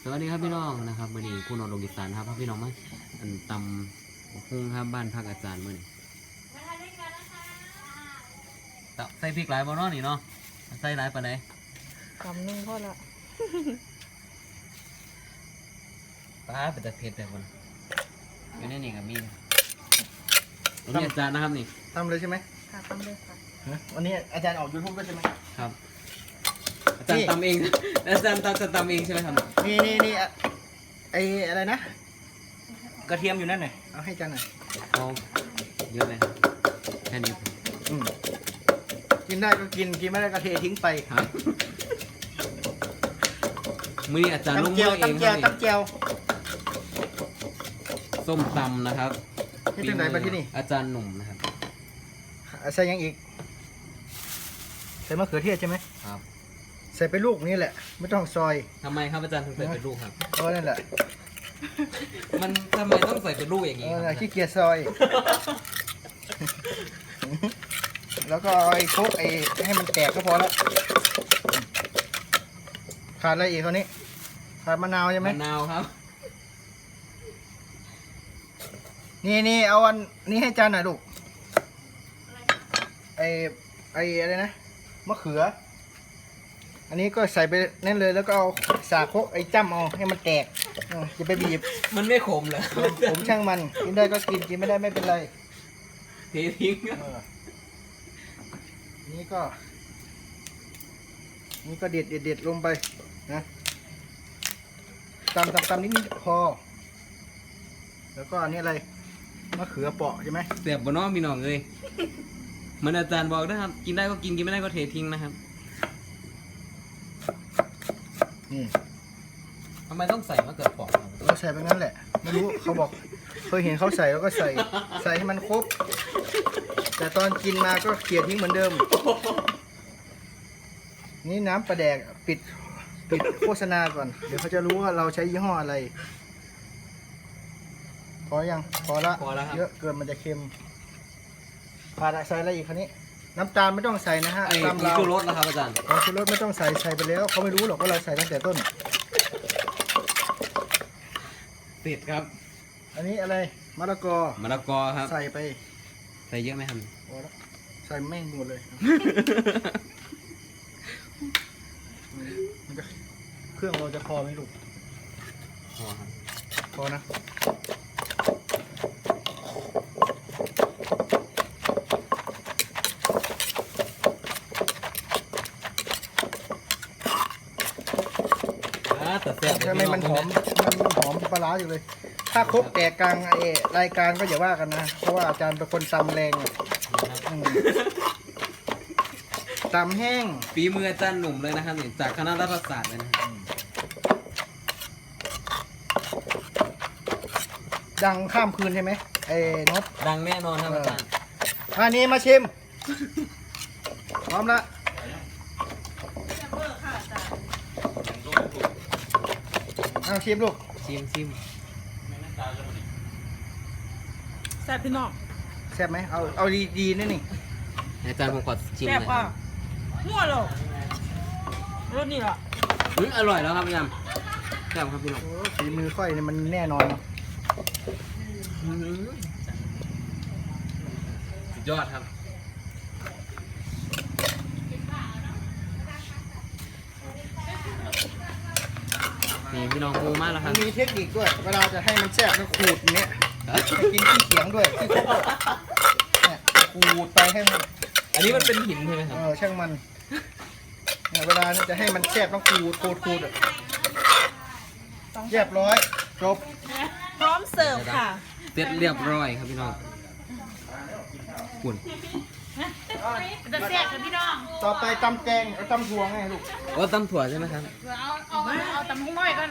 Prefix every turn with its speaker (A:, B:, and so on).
A: วัสดีครับพี่น้องนะครับวันนี้คุณนนท์ลงอีสานครับพี่น้องมาตำหุ้งครับบ้านพักอาจารย์มื้อนี้ใส่พริกหลายบ่เนาะนี่เนาะใส่หลายปานใด
B: คำนึงพอละ
A: ป้าเป็นตะเผ็ดแบบมันอยู่ในนี่กับมีอันนี้อาจารย์นะครับนี่
C: ทำเลยใช่ไหม
B: ค่ะตำเลยค่ะ
C: วันนี้อาจารย์ออกยูทูบด้วยใช่ไหม
A: ครับอาจารย์ตำเองอาจารย์จะตำเองใช่ไหมครับ
C: นี่ไออะไรนะ กระเทียมอยู่นั่นหน่อยเอาให้อาจารย์หน่อย
A: เอาเยอะเลยแค่นี้
C: อืมกินได้ก็กินไม่ได้ก็เททิ้งไป
A: ครับมื้อนี้อาจารย์ลง
C: ตำเจี
A: มื
C: ยว
A: อเอง
C: ตำ
A: ค
C: เจี
A: รั
C: ยว
A: บ
C: ตำเจียว
A: ส้มตำนะครับ
C: ที่ตึงไหนมาที่นี่
A: อาจารย์หนุ่มนะครับ
C: ใส่ยังอีกใส่มะเขือเทศใช่ไหม
A: ครับ
C: ใส่ไปลูกนี่แหละ ไม่ต้องซอย
A: ทำไมครับอาจารย์ถึงใส่เป็นลูกครับ
C: เพราะนั่นแหละ
A: มันทำไมต้องใส่เป็นลูกอย่างนี้ครับ
C: ขี้เกียจซอย แล้วก็เอาไอ้คลุกให้มันแตกก็พอแล้วขาดอะไรอีกคราวนี้ขาดมะนาวใช่ไหม
A: มะนาวครับ
C: นี่เอาอันนี้ให้จานหน่อยลูกไออะไรนะมะเขือ อันนี้ก็ใส่ไปนั่นเลยแล้วก็เอาสาโคกไอ้จ้ำเอาให้มันแตกจะไปบีบ
A: มันไม่ขมเหรอ
C: ผมช่างมันกินได้ก็กินไม่ได้ไม่เป็นไร
A: เททิ้ง
C: นี่ก็เด็ดลงไปนะตำนิดพอ แล้วก็อันนี้อะไรมะเขือเปาะใช่ไหม
A: เสียบบนน้องพี่น้องเลยเหมือนอาจารย์บอกนะครับ กินได้ก็กินไม่ได้ก็เททิ้งนะครับ
C: นี่
A: ทำไมต้องใส่มะเขือเปราะครับ
C: เราใส่ไปงั้นแหละไม่รู้เขาบอกเคยเห็นเขาใส่แล้วก็ใส่ให้มันครบ แต่ตอนกินมาก็เกลี่ยทิ้งเหมือนเดิม นี่น้ำปลาแดกปิดโฆษณาก่อน เดี๋ยวเขาจะรู้ว่าเราใช้ยี่ห้ออะไร พอยังพอละ
A: พอแล้วครับ
C: เยอะเกินมันจะเค็มขาดใส่อะไรอีกคันนี้ น้ำตาลไม่ต้องใส่นะฮะ
A: ไอ้
C: ตาม
A: ผง
C: เรา
A: ชูรสนะครับอาจารย์
C: ผงชูรสไม่ต้องใส่ไปแล้วเขาไม่รู้หรอกว่าเราใส่ตั้งแต่ต้น
A: ติดครับ
C: อันนี้อะไรมะละกอ
A: มะละกอครับ
C: ใส่ไป
A: ใส่เยอะไหมครับ
C: พอแล้วใส่แม่งหมดเลยมันจะเครื่องเราจะพอไหมลูก
A: พอครับ
C: พอนะ
A: แต่แซ่บเลย
C: ทำไมมันหอมปลาร้าอยู่เลย ถ้าครบแตกกลางรายการก็อย่าว่ากันนะ เพราะว่าอาจารย์เป็นคนตำแรงอะตำแห้ง
A: ฝีมืออาจารย์หนุ่มเลยนะครับนี่จากคณะรัฐศาสตร์เลยนะครับ
C: ดังข้ามคืนใช่ไหมไอ้นด
A: ดังแน่นอนครับอาจารย์
C: อันนี้มาชิม พร้อมละเอาชิมลูก
A: ชิม
B: แซ่บพี่น้อง
C: แซ่บไหมเอาดีๆนี่นี่
A: อาจารย์ผมขอชิม
B: แซ่บ
A: หน่อยค
B: อ่ะ
A: รับ
B: มั่วหรอกรสนี่ล่ะ
A: อร่อยแล้วครับอาจารย์แซ่บครับพี่น้อง
C: โอ้ฝีมือค่อยเนี่ยมันแน่นอนเนอะ
A: สุดยอดครับนี่พี่น้องปูมากแล้วค
C: มั
A: รับ
C: นมีเทคนิคด้วย เวลาจะให้มันแซ่บมันขูดอย่างเนี้ยให้กินที่เขียงด้วยที่ครบเนี่ยขูดไปให้มัน
A: อันนี้มันเป็นหินใช่ไหมครับ
C: ช่างมันเนี่ยเวลาจะให้มันแซ่บต้องขูดอะเรียบร้อยจบ
B: พร้อมเสิร์ฟค่ะ
A: เสร็จเรียบร้อยครับพี่น้องปุ่น
B: จะแซ่บกับพี่น้อง
C: ต่อไปตำแกงเอาตำถั่วไงลูก
A: โอ้ตำถั่วใช่ไหมครับ
B: เอาตำหุ้งน้อยก่อน